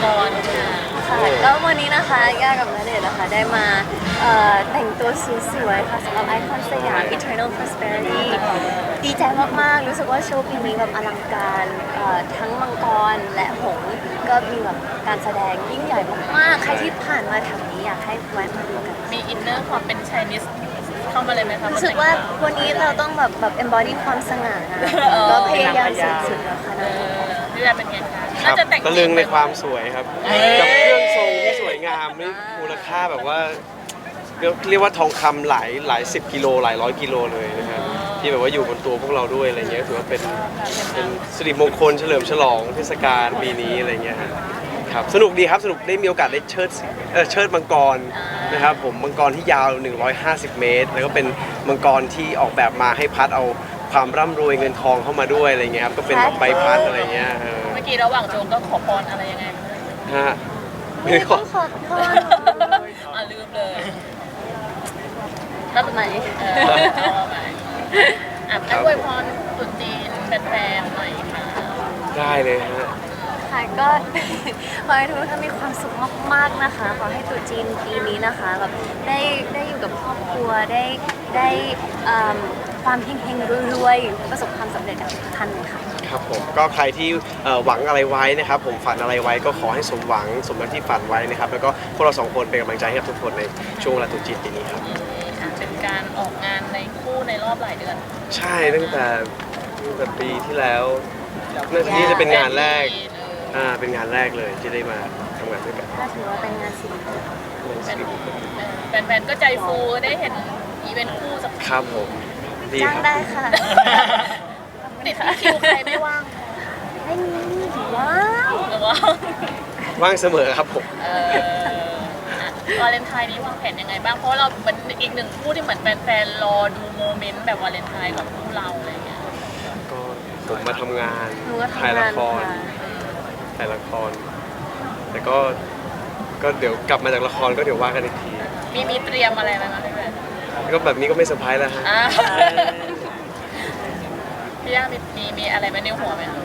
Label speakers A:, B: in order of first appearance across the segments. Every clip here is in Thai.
A: กรค่ะ
B: แล้ววันนี้นะคะย่ากับณเดชน์นะคะได้มาแต่งตัวสวยๆค่ะสำหรับไอคอนสยาม Eternal Prosperity ดีใจมากๆรู้สึกว่าโชว์ปีนี้แบบอลังการทั้งมังกรและหงส์ก็มีแบบการแสดงยิ่งใหญ่มากๆใครที่ผ่านมาแถวนี้อยากให้แวะมาดูกัน
A: มีอินเนอร์ความเป็นไชนีสเข้ามาเลยไหมคะ
B: รู้สึกว่าวันนี้เราต้องแบบ embody ความสง่างามก็พยายามสุดๆแล้วค่ะ
A: นี่แหละเป็นไงคะ
C: ครั
A: น่า
C: บ
A: จะแต่ง
C: ตะลึงในความสวยครับกับเครื่องทรงที่สวยงามนี่มูลค่าแบบว่าเรียกว่าทองคำหลายสิบกิโลหลายร้อยกิโลเลยนะครับที่แบบว่าอยู่บนตัวพวกเราด้วยอะไรเงี้ยถือว่าเป็นสิริมงคลเฉลิมฉลองเทศกาลปีนี้อะไรเงี้ยครับสนุกดีครับสนุกได้มีโอกาสได้เชิดมังกรนะครับผมมังกรที่ยาว 150 เมตรแล้วก็เป็นมังกรที่ออกแบบมาให้พัดเอาความร่ำรวยเงินทองเข้ามาด้วยอะไรเงี้ยครับก็เป็นใบพัดอะไรเงี้ย
A: เมื่อกี้ระหว่างโจงก็ขอพรอะไรยังไง
C: ฮะ
B: ไม่ต้องขอพร
A: ลืมเลย
B: รับไหน
A: เอาไปให้อวยพรตุ๊จีนแฟนๆหน่อยค่ะ
C: ได้เลยฮะ
B: ค่ะก็ ขอให้ทุกท่านมีความสุขมากๆนะคะขอให้ตรุษจีนปีนี้นะคะแบบได้อยู่กับครอบครัวได้ความเฮงๆรวยๆประสบความสำเร็จกับทุกท่านเลยค่ะ
C: ครับผมก็ใครที่หวังอะไรไว้นะครับผมฝันอะไรไว้ก็ขอให้สมหวังสมดังที่ฝันไว้นะครับแล้วก็พวกเราสองคนเป็นกำลังใจให้กับทุกคนในช่วงเวลาตรุษจีนปีนี้ครับ
A: เป็นการออกงานในคู่ในรอบหลายเดือน
C: ใช่ตั้งแต่ปีที่แล้วน่าจะนี่จะเป็นงานแรกเป็นงานแรกเลยที่ได้มาทำงานด้วยกัน
B: ก็ถือว่าเป็นงานศิลปะ
A: แฟนๆก็ใจฟูได้เห็นอีเวนต์คู่สัก
C: ครับผมดี
B: จ้างได้ค่ะ
A: ติดคิวใครไม่ว่าง
B: ไม่มีว้าว
C: ว่างเสมอครับผม
A: วาเลนไทน์นี้วางแผนยังไงบ้างเพราะเราเป็นอีกหนึ่งคู่ที่เหมือนแฟนๆรอดูโมเมนต์แบบวาเลนไทน์กับคู่เราอะไรเงี้ย
C: ก็ผมมาทำงานถ่ายละครแต่ก็เดี๋ยวกลับมาจากละครก็เดี๋ยวว่ากันอีกที
A: มีเตรียมอะไรไหมคะ
C: ก็แบบนี้ก็ไม่เซอร์ไพรส์แล้วฮะ
A: พี่ย่ามีอะไรไหมในหัวไหมคะ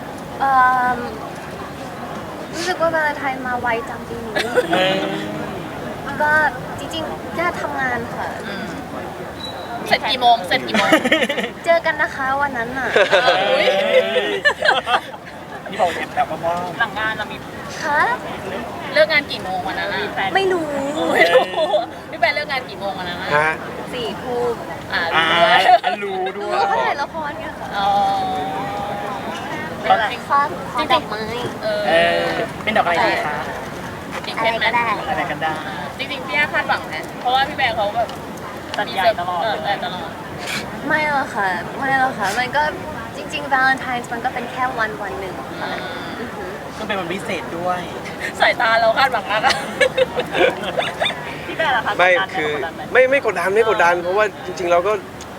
B: รู้สึกว่าวาเลนไทน์มาไวจังปีนี้ก็จริงๆแค่ทำงานค่ะ
A: เสร็จกี่โมง
B: เจอกันนะคะวันนั้นน่ะ
D: นี่บอกแบบว่า
A: หลังงานเรามี
B: ค่ะ
A: เลิกงานกี่โมงวันนั้น
B: ไม่รู้
A: พี่แฟนเลิกงานกี่โมงวันนั้น
B: 4 ทุ่ม
D: รู้ด้วย
B: เขาถ่ายละครไงค่ะ
A: เป็นอะไร
B: ดอกไม้
D: เป็นดอกอะไรดีคะ
B: อะไรก็ได้
D: อะไรกันได้
A: จริงๆพี่ย่าคาดหวังนะเพราะว่าพี่แบร์เขาแบบ
D: ตัดใหญ่ตลอด
B: ไม่หรอกค่ะมันก็จริงๆ Valentine's มันก็เป็นแค่วันหนึ่งค่ะ
D: ก็เป็นวันพิเศษด้วย
A: สายตาเราคาดหวังมากอะพี่แบร์ล่ะคะ
C: ไม่คือไม่กดดันเพราะว่าจริงๆเราก็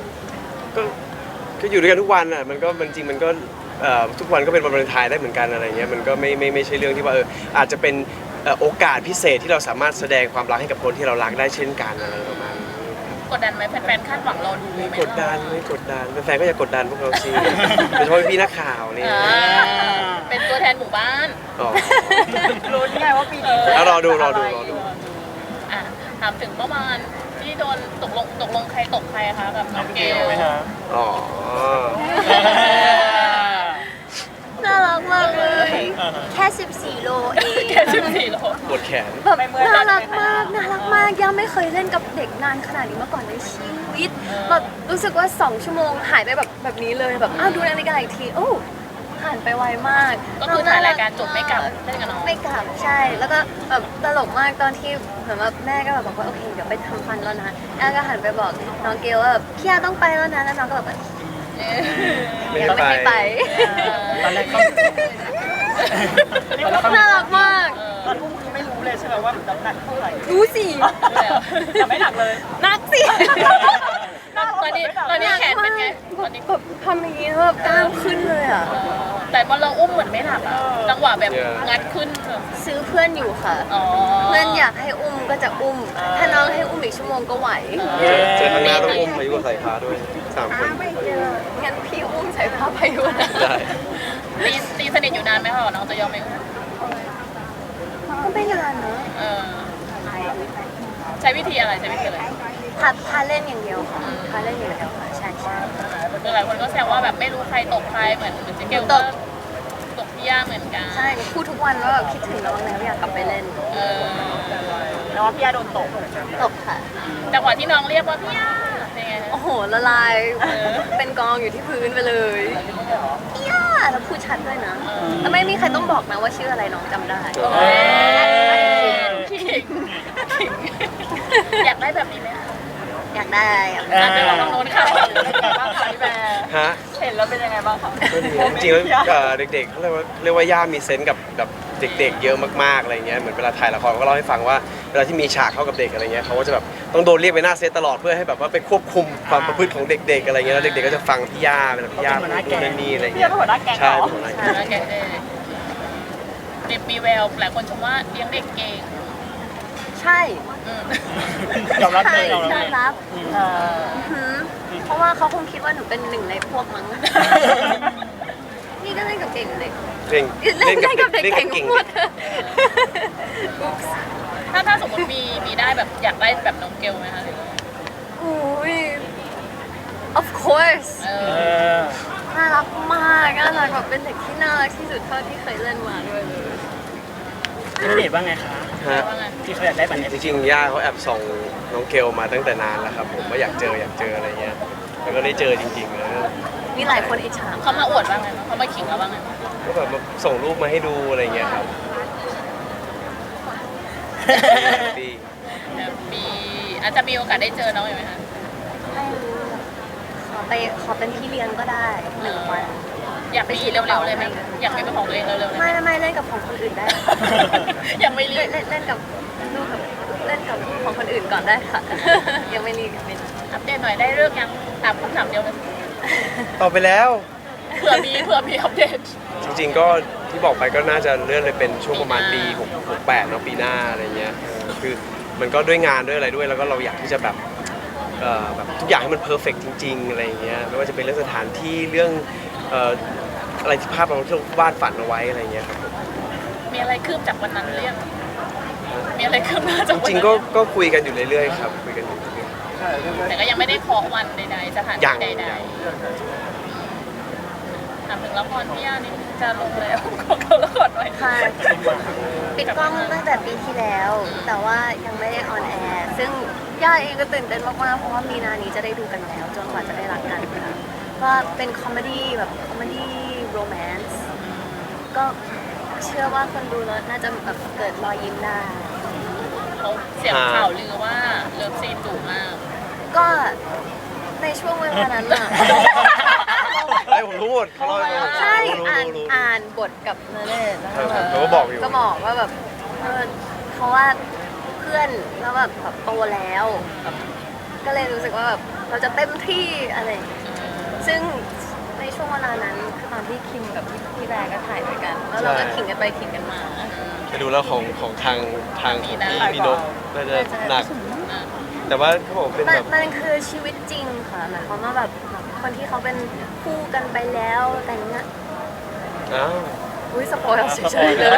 C: อยู่ด้วยกันทุกวันอ่ะมันจริงมันก็ทุกวันก็เป็นวันวาเลนไทน์ได้เหมือนกันอะไรเงี้ยมันก็ไม่ใช่เรื่องที่ว่าอาจจะเป็นโอกาสพิเศษที่เราสามารถแสดงความรักให้กับคนที่เรารักได้เช่นกันอะไรประมาณนี้
A: กดดันไหมแฟนๆคาดหวังเราดูไหม
C: ไม่กดดันแฟนๆก็อย่ากดดันพวกเราสิโดยเฉพาะพี่นักข่าวนี่
A: เป็นตัวแทนหมู่บ้าน
D: รู้ไงว่าปีนี้
C: แล้วรอดู
A: ถามถึงเมื่อวานที่โดนตกลงใครตกใครคะกับน้องเกล
D: ไหมคะ
B: น่ารักมากเลยแค่14 โลเอง
A: แค่14 โล
C: ปวดแขน
B: แบบน่ารักมากย่าไม่เคยเล่นกับเด็กนานขนาดนี้มาก่อนในชีวิตแบบรู้สึกว่า2 ชั่วโมงหายไปแบบนี้เลยแบบดูนาฬิกาอีกทีโอ้ผ่านไปไวมาก
A: ก็คือถ่ายรายการจบไม่กลับเล่นกับน้อง
B: ไม่กลับใช่แล้วก็แบบตลกมากตอนที่เหมือนว่าแม่ก็แบบบอกว่าโอเคเดี๋ยวไปทำฟันแล้วนะแอนก็หันไปบอกน้องเกลว่าแบบพี่ย่าต้องไปแล้วนะแล้วน้องก็แบบไม่ไป
D: ตอนแรกก็
B: น่ารักมาก
D: ตอนอุ้มคือไม่รู้เลยใช่ไหมว่าน้ำหนักเท่าไหร่
B: รู้สิ
D: แต่ไม่หนักเลย
B: หนักสิ
A: ตอนนี้แขนเป็นไง
B: แบบทำอย่างนี้แบบกล้ามขึ้นเลยอ่ะ
A: แต่พอเราอุ้มเหมือนไม่หนักอะจังหวะแบบงัดขึ้น
B: ซื้อเพื่อนอยู่ค่ะเพื่อนอยากให้อุ้มก็จะอุ้มถ้าน้องให้อุ้มอีกชั่วโมงก็ไหว
C: เจอข้างหน้าต้องอุ้มพายุกับสายฟ้าด้วย3 คน
B: งั้นพี่อุ้มสายฟ้าพายุนะ
C: ได้
A: ตีสนิทอยู่นานไหมคะน้องจะยอมไหม
B: ก็ไม่นานเนอะ
A: เออใช้วิธีอะไรใช้วิธีอะไร
B: พาเล่นอย่างเดียวค่ะพาเล่นอย่างเดียวค่ะใช่
A: หลายคนก็แซวว่าแบบไม่รู้ใครตกใครเหมือนเจ๊เกลก็ตกพี่ย่าเหมือนกัน
B: ใช่พูดทุกวันว่าแบบคิดถึงน้องแล้วอยากกลับไปเล่น
A: เออ
D: แล้วว่าพี่อาโดนตก
B: ตกค่ะ
A: จังหวะที่น้องเรียกว่าพี่ย่าเป็นไง
B: โอ้โหละลายเป็นกองอยู่ที่พื้นไปเลยย่าแล้วพูดชัดด้วยนะแล้วไม่มีใครต้องบอกนะว่าชื่ออะไรน้องจำได้
A: ขิงอยากได้แบบนี้ไหมคะ
B: อยากได้อะ
A: อ่ะเดี๋ยวเราลองโน้นค่ะ
D: บ้างคะพี่แบร์
C: ฮะ
D: เห็นแล้วเป็นยังไงบ้างคะ
C: ก็ดีจริงๆแล้วเด็กๆเขาเรียกว่าย่ามีเซนส์กับเด็กๆเยอะมากๆอะไรเงี้ยเหมือนเวลาถ่ายละครก็เล่าให้ฟังว่าเวลาที่มีฉากเข้ากับเด็กอะไรเงี้ยเขาก็จะแบบต้องโดนเรียกไปหน้าเซตตลอดเพื่อให้แบบว่าไปควบคุมความประพฤติของเด็กๆอะไรเงี้ยแล้วเด็กๆก็จะฟังพี่ย่าเป็นพี่ย่าพูดนู่นนั่นนี่อะไร
D: พี่
C: เงี้
D: อาย เป็นหัวหน้าแก๊งเหร
C: ใช่
D: อ
C: เป็นหัวหน้าแก๊ง
A: แล้วแกเด็กมีแววหลายคนชมว่าเลี้ยงเด็กเก่ง
B: ใช่
A: อืม
D: ยอมรับ
B: ใช่
D: เลยยอม
B: ย
D: รั
B: อบ มรับ
D: เออ
B: หือเพราะว่าเขาคงคิดว่าหนูเป็นหนึ่งในพวกมั้ง นี่ก็เล่นกับเก่งเด็ก
C: เล่น
B: เล่นกับเด็ก
C: เล่น
B: เก่
C: กับ
B: ง
C: เก่ง
B: หมด
A: ถ้าสมมติมีได้แบบอยากได้แบบน้องเกลไหมคะ
B: อุ้ย of course
A: เอ
D: เอ
A: อ
D: อ
B: น่ารักมากน่ารักแบบเป็นเด็กที่น่ารักที่สุดเท่าที่เคยเล่นมาด้วยเลย
D: พี่ณเดชน์ว่าไงคะ
C: ฮะ
A: ว่าไง
D: ที่เขาอยากได้แบบนี้
C: จริงๆย่าเขาแอบส่องน้องเกลมาตั้งแต่นานแล้วครับผมว่าอยากเจออะไรเงี้ยแล้วก็ได้เจอจริงๆเลย
B: มีหลายคนอิจฉา
A: เขามาอวดว่าไงบ้างเขามาขิงเราว่าไงบ้าง
C: ก็แบบมาส่งรูปมาให้ดูอะไรเงี้ยครับดี
A: แบบมีอาจจะมีโอกาสได้เจอน้องไหมคะ
B: ไม่รู้ขอเป็นพี่เลี้ยงก็ได้1 วัน
A: อยากมีเร็วๆเลยไหมอยากมีเป็นของตัวเองเร็วๆเลยไหม
B: ไม่เล่นกับของคนอื่นได้
A: ยังไม่รีบ
B: เล่นกับลูกกับเล่นกับของคนอื่นก่อนได้ค่ะ ยังไม่รีบยังไม่รีบ
A: อัปเดตหน่อยได้เรื่องยังถามคำถามเดียวเลย
C: ต่อไปแล้ว
A: เผื่อมีอัปเดต
C: จริงๆก็ที่บอกไปก็น่าจะเลื่อนเลยเป็นช่วงประมาณปี68เนาะปีหน้าอะไรเงี้ยคือมันก็ด้วยงานด้วยอะไรด้วยแล้วก็เราอยากที่จะแบบแบบทุกอย่างให้มันเพอร์เฟกจริงๆอะไรเงี้ยไม่ว่าจะเป็นเรื่องสถานที่เรื่องอะไรที่ภาพเราที่เราวาดฝันเอาไว้อะไรเงี้ยครับผม
A: มีอะไรคืบจากวันนั้นหรือยังมีอะไรคืบหน้าจาก
C: จ
A: วัน
C: ริง
A: นั้น
C: ๆก็คุยกันอยู่เรื่อยๆครับคุยกันอยู่เรื่อย
A: แต่ก็ยังไม่ได้เคาะวันใดๆสถาน
C: ๆยั
A: ที่
C: ง
A: ใด
C: ยัง
A: ๆถามถึงละครพี่ย่านี่จะลงแล้วขอเข้าละครหน่อย
B: ค่ะปิดกล้องตั้งแต่ปีที่แล้ว แต่ว่ายังไม่ได้ออนแอร์ซึ่งย่าเองก็ตื่นเต้นมากๆเพราะว่ามีนานี้จะได้ดูกันแล้วจนกว่าจะได้รักกันค่ะก็เป็นคอมเมดี้แบบคอมเมดี้โรแมนต์ก็เชื่อว่าคนดูแล้วน่าจะแบบเกิดรอยยิ้มได้
A: เขาเสียงข่าวลือว่าเลิฟซีนดุมาก
B: ก็ในช่วงเวลานั้นน่ะ
C: ไอ้ผมรู้หมดเขาเล่าให้ฟัง
B: ใช่
C: รู้
B: อ่านบทกับนเรศแล้ว
C: ครับเขาก็บอกอยู่
B: ก็บอกว่าแบบเพราะว่าเพื่อนแล้วแบบโตแล้วแบบก็เลยรู้สึกว่าแบบเราจะเต็มที่อะไรอย่างเงี้ยซึ่งในช่วงเวลานั้นคือตอนที่คิมกับพี่แบร์ก็ถ่ายด้วยกัน แล้วเราก็ขิงกันไปขิงกันมา
C: ไปดูแล้วของทางของพี่นกน่าจะหนัก แต่ว่าเขาบอกเป็น
B: มัน
C: แบบ
B: มันคือชีวิตจริงค่ะหมายความว่าแบบคนที่เขาเป็นคู่กันไปแล้วแต่งงาน
C: อ้าว
B: อุ้ยสปอยล์เฉยๆเลย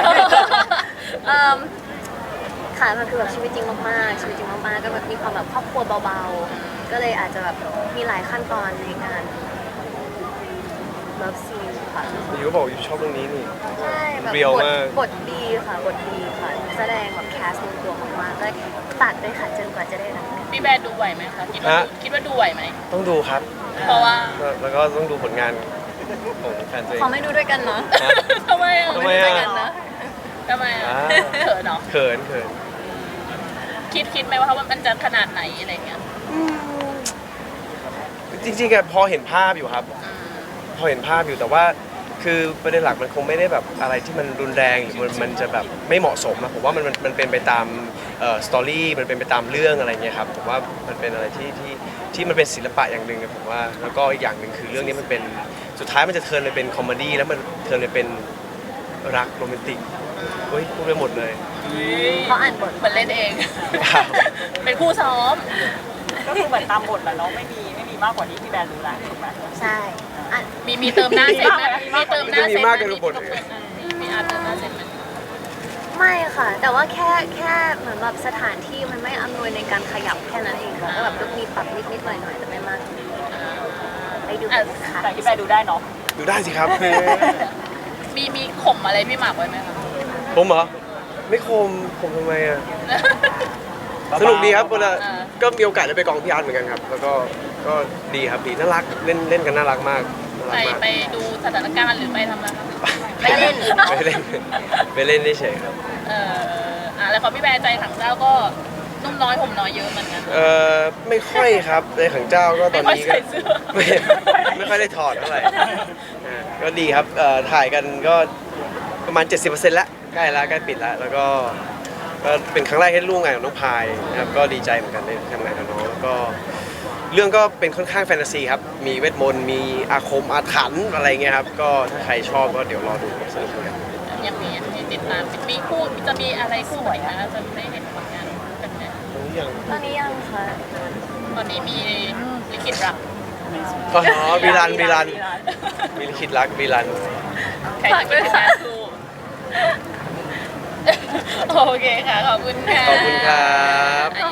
B: ค่ะมันคือแบบชีวิตจริงมากๆชีวิตจริงมากๆก็แบบมีความแบบครอบครัวเบาๆก็เลยอาจจะแบบมีหลายขั้นตอนในการเลิฟซีนค่ะ
C: อยู่ก็บอกอยู่ชอบเรื่องนี้นี่
B: ใช่แบบ
C: เรียวมาก
B: บทดีค่ะบทดีค่ะแสดงแบบแคสต์ลงตัวมากๆก็ตัดเลยค่ะจนกว่าจะได้รักกัน
A: พี่แบร์ดูไหวไหมคะคิดว่าดูไหวไหม
C: ต้องดูครับ
A: เพราะว่า
C: แล้วก็ต้องดูผลงานของแฟนตัวเอง
B: ขอไม่ดูด้วยกันเนาะ
A: ทำไมอ่ะ
C: ทำไม
B: ด้วย
C: อ่ะ
B: กันนะ
A: ทำไมอ่ะ
C: อ่า
A: เขินเนาะ
C: เขิน
A: คิดไหมว่ามันจะขนาดไหนอะไรเงี้ย
C: จริงๆอะพอเห็นภาพอยู่ครับ พอเห็นภาพอยู่แต่ว่าคือประเด็นหลักมันคงไม่ได้แบบอะไรที่มันรุนแรงหรือมันจะแบบไม่เหมาะสมนะผมว่ามันเป็นไปตามสตอรี่มันเป็นไปตามเรื่องอะไรเงี้ยครับผมว่ามันเป็นอะไรที่มันเป็นศิลปะอย่างหนึ่งนะผมว่าแล้วก็อีกอย่างหนึ่งคือเรื่องนี้มันเป็นสุดท้ายมันจะเทิร์นไปเป็นคอมเมดี้แล้วมันเทิร์นไปเป็นรักโรแมนติกเฮ้ยพูดไปหมดเลย
B: เขาอ่านบท
A: เหมือนเล่นเอง เป็นคู่ซ้อม
D: ก็คือเหมือนตามบทแหละเนาะไม่มีมากกว่านี้ที่แบรนด์รู้แหละถูกไหม
B: ใช่อ่ะ
A: มีเติมหน้าเซ็ตไหมมีเติมหน้าเซ็ต
C: มีมากเกินบท
A: มีอาร์ตเติมหน้าเซ็ตไหม
B: ไม่ค่ะ แต่ว่าแค่เหมือนแบบสถานที่มันไม่อำนวยในการขยับแค่นั้นเองค่ะก็แบบมีปรับนิดหน่อยแต่ไม่มากไปดูกันค่ะ
D: แต่พี่แบร์ดูได้เนาะ
C: ดูได้สิครับ
A: มีข่มอะไรพี่หมากไว้ไหมคะ
C: ผมเหรอไม่คมทำไมอ่ะสนุกดีครับเวลาก็มีโอกาสได้ไปกองพี่อาร์ตเหมือนกันครับ แล้วก็ดีครับดีน่ารักเล่นกันน่ารักมากน่ารักมาก
A: ไปดูสถานการณ์หรือไปทำอะไรคะ
B: ไปเล่น
C: ไปเล่นเฉยๆครับ
A: แล้วของพี่แบร์ใจถังเจ้าก็นุ่มน้อยห่มน้อยเยอะเหมือนกัน
C: ไม่ค่อยครับในขังเจ้าก็ตอนนี้ก็
A: ไม่ค่อยใส่เสื้อ
C: ไม่ค่อยได้ถอดเท่าไหร่ก็ดีครับถ่ายกันก็ประมาณ 70%แล้วใกล้แล้วใกล้ปิดแล้วแล้วก็เป็นครั้งแรกที่ร่วมงานกับน้องพายนะครับก็ดีใจเหมือนกันได้ทำงานกับน้องแล้วก็เรื่องก็เป็นค่อนข้างแฟนตาซีครับมีเวทมนต์มีอาคมอาถรรพ์อะไรเงี้ยครับก็ถ้าใครชอบก็เดี๋ยวรอดูสนุกเหมือนกัน
A: ยังมีให้ติดตามมีคู่จะมีอะไรคู่ไหวนะจะได้เห็นผลงานกันไหม
B: ตอนนี้ยังค่ะ
A: ตอนนี้มีลิขิตรัก
C: อ๋อวีรันมีลิขิตรักวีรัน
A: ใครจะเป็นงานคู่โอเคค่ะ ขอบคุณค่ะ
C: ขอบคุณครับ
A: อ่ะ